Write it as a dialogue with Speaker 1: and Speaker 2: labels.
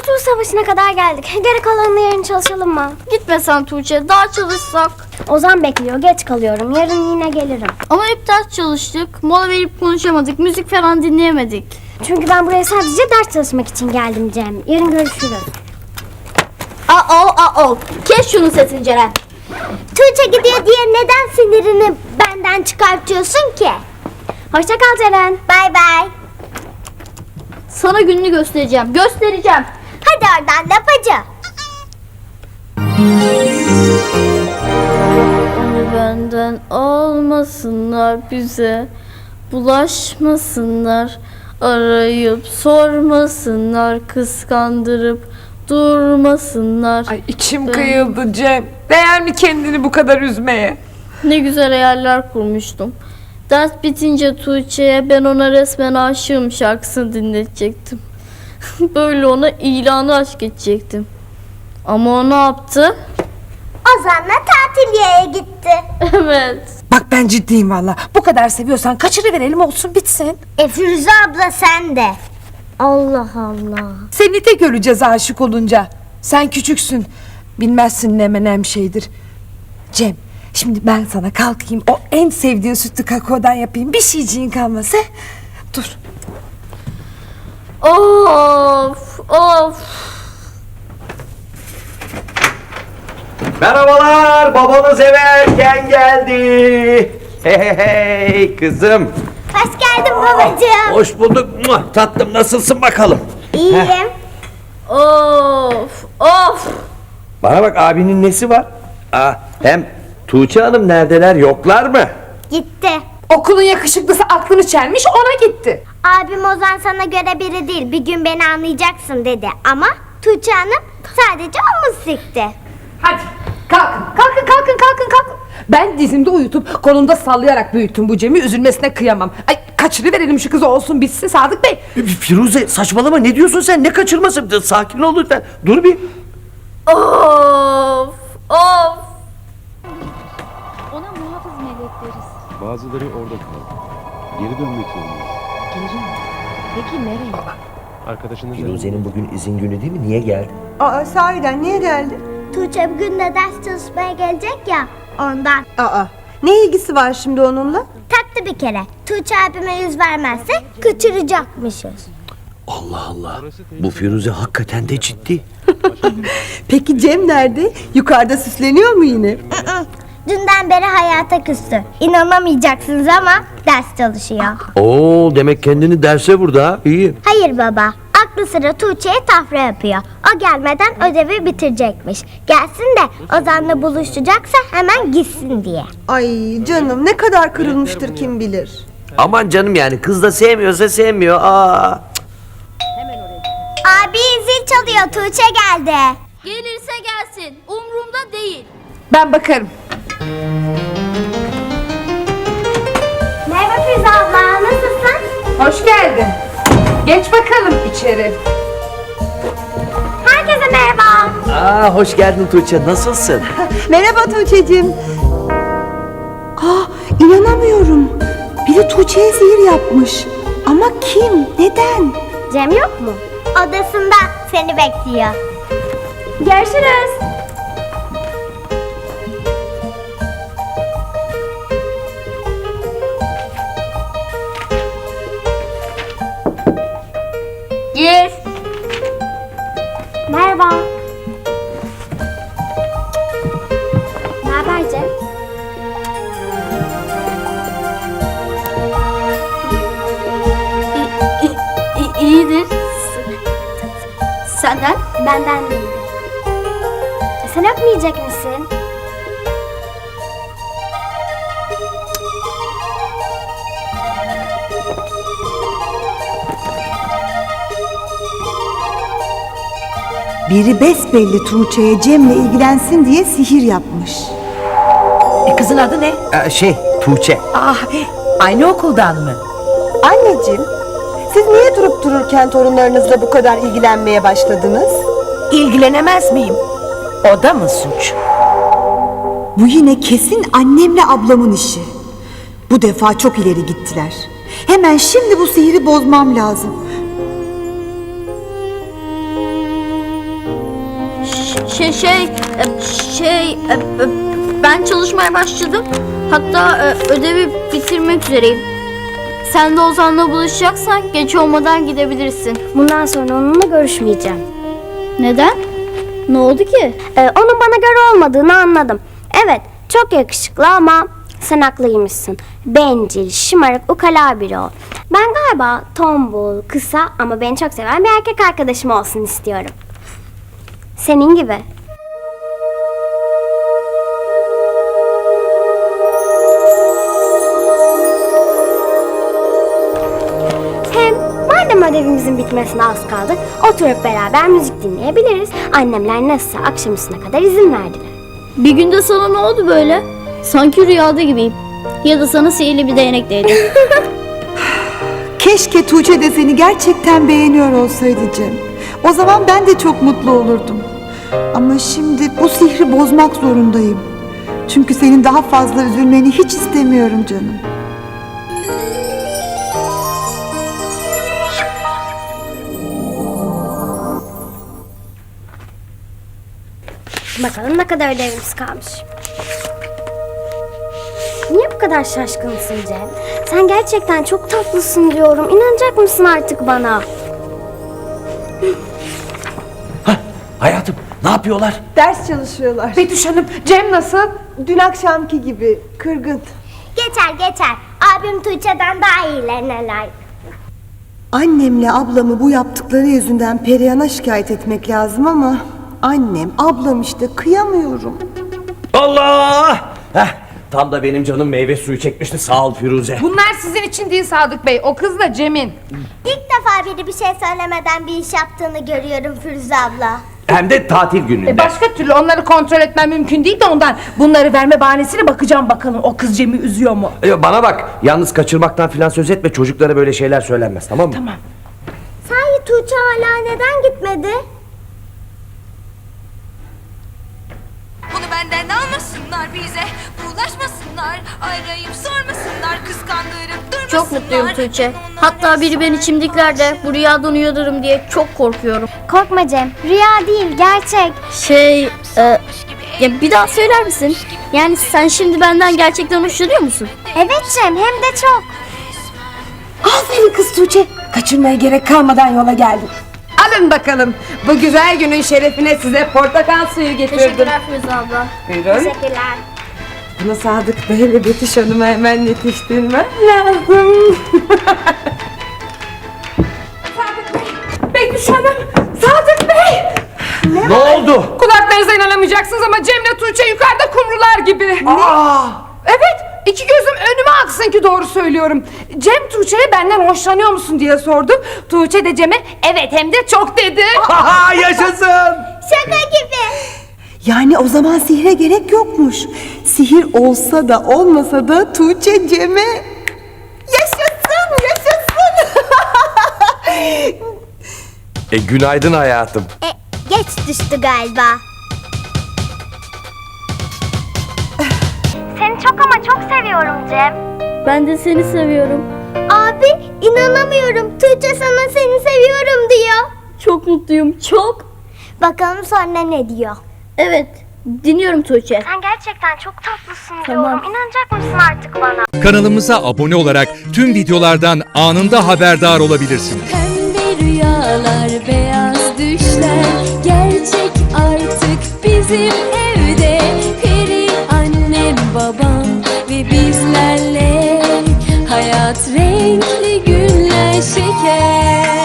Speaker 1: Kurtuluş Savaşı'na kadar geldik. Geri kalanını yarın çalışalım mı?
Speaker 2: Gitme sen Tuğçe, daha çalışsak.
Speaker 1: Ozan bekliyor, geç kalıyorum. Yarın yine gelirim.
Speaker 2: Ama hep ders çalıştık, mola verip konuşamadık, müzik falan dinleyemedik.
Speaker 1: Çünkü ben buraya sadece ders çalışmak için geldim Cem. Yarın görüşürüz.
Speaker 2: Kes şunun sesini Ceren.
Speaker 1: Tuğçe gidiyor diye neden sinirini benden çıkartıyorsun ki? Hoşça kal Ceren. Bay bay.
Speaker 2: Sana gününü göstereceğim, göstereceğim.
Speaker 1: Hadi oradan lapacı.
Speaker 2: Onu benden almasınlar, bize bulaşmasınlar, arayıp sormasınlar, kıskandırıp durmasınlar.
Speaker 3: Ay içim kıyıldı Cem. Değer mi kendini bu kadar üzmeye?
Speaker 2: Ne güzel hayaller kurmuştum. Ders bitince Tuğçe'ye ben ona resmen aşığım şarkısını dinletecektim. Böyle ona ilanı aşk edecektim. Ama o ne yaptı?
Speaker 1: Ozan'la tatiliye gitti.
Speaker 2: Evet.
Speaker 3: Bak ben ciddiyim valla. Bu kadar seviyorsan kaçırıverelim olsun bitsin.
Speaker 1: Firuze abla sen de. Allah Allah.
Speaker 3: Seni de göreceğiz aşık olunca. Sen küçüksün. Bilmezsin ne menem şeydir. Cem şimdi ben sana kalkayım o en sevdiğin sütlü kakaodan yapayım. Bir şeyciğin kalmasa. Dur.
Speaker 2: Of.
Speaker 4: Merhabalar, babanız eve erken geldi. Hey kızım.
Speaker 1: Hoş geldin babacığım.
Speaker 4: Hoş bulduk. Tatlım nasılsın bakalım?
Speaker 1: İyiyim.
Speaker 2: Of.
Speaker 4: Bana bak abinin nesi var? Hem Tuğçe Hanım neredeler yoklar mı?
Speaker 1: Gitti.
Speaker 3: Okulun yakışıklısı aklını çelmiş ona gitti.
Speaker 1: Abim Ozan sana göre biri değil. Bir gün beni anlayacaksın dedi. Ama Tuğçe Hanım sadece omuz sikti.
Speaker 3: Hadi kalkın. Ben dizimde uyutup kolumda sallayarak büyüttüm bu Cem'i, üzülmesine kıyamam. Ay kaçırıverelim şu kızı olsun bitsin Sadık Bey.
Speaker 4: Firuze saçmalama, ne diyorsun sen, ne kaçırması? Sakin ol lütfen, dur bir.
Speaker 2: Of.
Speaker 5: Ona muhafız melek deriz.
Speaker 6: Bazıları orada kaldı. Geri dönmek zorundayız.
Speaker 5: Geri mi? Peki nereye?
Speaker 6: Arkadaşınız
Speaker 4: Firuze'nin bugün izin günü değil mi? Niye geldi?
Speaker 7: Aa sahiden niye geldi?
Speaker 1: Tuğçe bugün de ders çalışmaya gelecek ya ondan.
Speaker 7: Aa ne ilgisi var şimdi onunla?
Speaker 1: Taktı bir kere. Tuğçe abime yüz vermezse kaçıracakmışız.
Speaker 4: Allah Allah. Bu Firuze hakikaten de ciddi.
Speaker 7: Peki Cem nerede? Yukarıda süsleniyor mu yine?
Speaker 1: Dünden beri hayata küstü. İnanamayacaksınız ama ders çalışıyor.
Speaker 4: Oo, demek kendini derse vurdu ha. İyi.
Speaker 1: Hayır baba. Aklı sıra Tuğçe'ye tafra yapıyor. O gelmeden ödevi bitirecekmiş. Gelsin de Ozan'la buluşacaksa hemen gitsin diye.
Speaker 7: Ay canım ne kadar kırılmıştır kim bilir.
Speaker 4: Aman canım, yani kız da sevmiyorsa sevmiyor.
Speaker 1: Abi zil çalıyor. Tuğçe geldi.
Speaker 2: Gelirse gelsin, umurumda değil.
Speaker 3: Ben bakarım.
Speaker 1: Merhaba Firuze abla. Nasılsın?
Speaker 3: Hoş geldin. Geç bakalım içeri.
Speaker 1: Herkese merhaba.
Speaker 4: Hoş geldin Tuğçe, nasılsın?
Speaker 7: Merhaba Tuğçe'cim. İnanamıyorum. Biri Tuğçe'ye sihir yapmış. Ama kim? Neden?
Speaker 1: Cem yok mu? Odasında seni bekliyor. Görüşürüz.
Speaker 2: Gir.
Speaker 1: Merhaba. Ne haber Cem?
Speaker 2: İyidir. Senden?
Speaker 1: Benden değil. Sen öpmeyecek misin?
Speaker 7: Biri besbelli Tuğçe'ye Cem'le ilgilensin diye sihir yapmış.
Speaker 8: Kızın adı ne?
Speaker 4: Tuğçe.
Speaker 8: Aynı okuldan mı?
Speaker 7: Anneciğim, siz niye durup dururken torunlarınızla bu kadar ilgilenmeye başladınız?
Speaker 8: İlgilenemez miyim? O da mı suç?
Speaker 9: Bu yine kesin annemle ablamın işi. Bu defa çok ileri gittiler. Hemen şimdi bu sihiri bozmam lazım.
Speaker 2: Ben çalışmaya başladım. Hatta ödevi bitirmek üzereyim. Sen de Ozan'la buluşacaksan geç olmadan gidebilirsin.
Speaker 1: Bundan sonra onunla görüşmeyeceğim.
Speaker 2: Neden? Ne oldu ki?
Speaker 1: Onun bana göre olmadığını anladım. Evet, çok yakışıklı ama sen haklıymışsın. Bencil, şımarık, ukala biri o. Ben galiba tombul, kısa ama beni çok seven bir erkek arkadaşım olsun istiyorum. Senin gibi. Hem madem ödevimizin bitmesine az kaldı, oturup beraber müzik dinleyebiliriz. Annemler nasılsa akşam üstüne kadar izin verdiler.
Speaker 2: Bir günde sana ne oldu böyle? Sanki rüyada gibiyim. Ya da sana sihirli bir değnek değdi.
Speaker 9: Keşke Tuğçe de seni gerçekten beğeniyor olsaydı Cem. O zaman ben de çok mutlu olurdum. Ama şimdi bu sihri bozmak zorundayım. Çünkü senin daha fazla üzülmeni hiç istemiyorum canım.
Speaker 1: Bakalım ne kadar ödevimiz kalmış. Niye bu kadar şaşkınsın Cem? Sen gerçekten çok tatlısın diyorum. İnanacak mısın artık bana?
Speaker 4: Hayatım ne yapıyorlar?
Speaker 7: Ders çalışıyorlar.
Speaker 3: Betüş Hanım, Cem nasıl?
Speaker 7: Dün akşamki gibi kırgın.
Speaker 1: Geçer. Abim Tuğçe'den daha iyilerine layık.
Speaker 7: Annemle ablamı bu yaptıkları yüzünden Perihan'a şikayet etmek lazım ama annem, ablam işte kıyamıyorum.
Speaker 4: Allah! Tam da benim canım meyve suyu çekmişti, sağ ol Firuze.
Speaker 3: Bunlar sizin için değil Sadık Bey. O kız da Cem'in.
Speaker 1: İlk defa biri bir şey söylemeden bir iş yaptığını görüyorum Firuze abla.
Speaker 4: Hem de tatil gününde.
Speaker 3: Başka türlü onları kontrol etmem mümkün değil de ondan. Bunları verme bahanesiyle bakacağım bakalım o kız Cem'i üzüyor mu?
Speaker 4: Bana bak, yalnız kaçırmaktan filan söz etme, çocuklara böyle şeyler söylenmez, tamam mı?
Speaker 3: Tamam.
Speaker 1: Sahi Tuğçe hala neden gitmedi?
Speaker 10: Bunu benden almasınlar bize, bulaşmasınlar, arayıp sormasınlar, kıskandırıp durmasınlar.
Speaker 2: Çok mutluyum Tuğçe. Hatta biri beni çimdiklerde bu rüyadan uyanırım diye çok korkuyorum.
Speaker 1: Korkma Cem. Rüya değil, gerçek.
Speaker 2: Ya bir daha söyler misin? Yani sen şimdi benden gerçekten hoşlanıyor musun?
Speaker 1: Evet Cem, hem de çok.
Speaker 3: Aferin kız Tuğçe. Kaçırmaya gerek kalmadan yola geldim. Alın bakalım. Bu güzel günün şerefine size portakal suyu getirdim.
Speaker 2: Teşekkürler Firuze abla.
Speaker 3: Buyurun.
Speaker 1: Teşekkürler.
Speaker 7: Bunu Sadık Bey ve Betüş Hanım'a hemen yetiştirmem lazım.
Speaker 3: Betüş Hanım, Sadık Bey.
Speaker 4: Ne oldu?
Speaker 3: Kulaklarınıza inanamayacaksınız ama Cem'le Tuğçe yukarıda kumrular gibi. Evet, iki gözüm önüme aksın ki doğru söylüyorum. Cem Tuğçe'ye benden hoşlanıyor musun diye sordu. Tuğçe de Cem'e evet hem de çok dedi.
Speaker 4: Haha, yaşasın!
Speaker 1: Şaka gibi.
Speaker 7: Yani o zaman sihre gerek yokmuş. Sihir olsa da olmasa da Tuğçe Cem'e yaşasın.
Speaker 4: Günaydın hayatım.
Speaker 1: Geç düştü galiba. Seni çok ama çok seviyorum Cem.
Speaker 2: Ben de seni seviyorum.
Speaker 1: Abi inanamıyorum. Tuğçe sana seni seviyorum diyor.
Speaker 2: Çok mutluyum, çok.
Speaker 1: Bakalım sonra ne diyor?
Speaker 2: Evet, dinliyorum Tuğçe.
Speaker 1: Sen gerçekten çok tatlısın
Speaker 2: Tamam.
Speaker 1: diyorum. İnanacak mısın artık bana?
Speaker 11: Kanalımıza abone olarak tüm videolardan anında haberdar olabilirsiniz.
Speaker 10: Pembe rüyalar, beyaz düşler gerçek artık bizim evde. Peri annem, babam ve bizlerle hayat renkli günler şeker.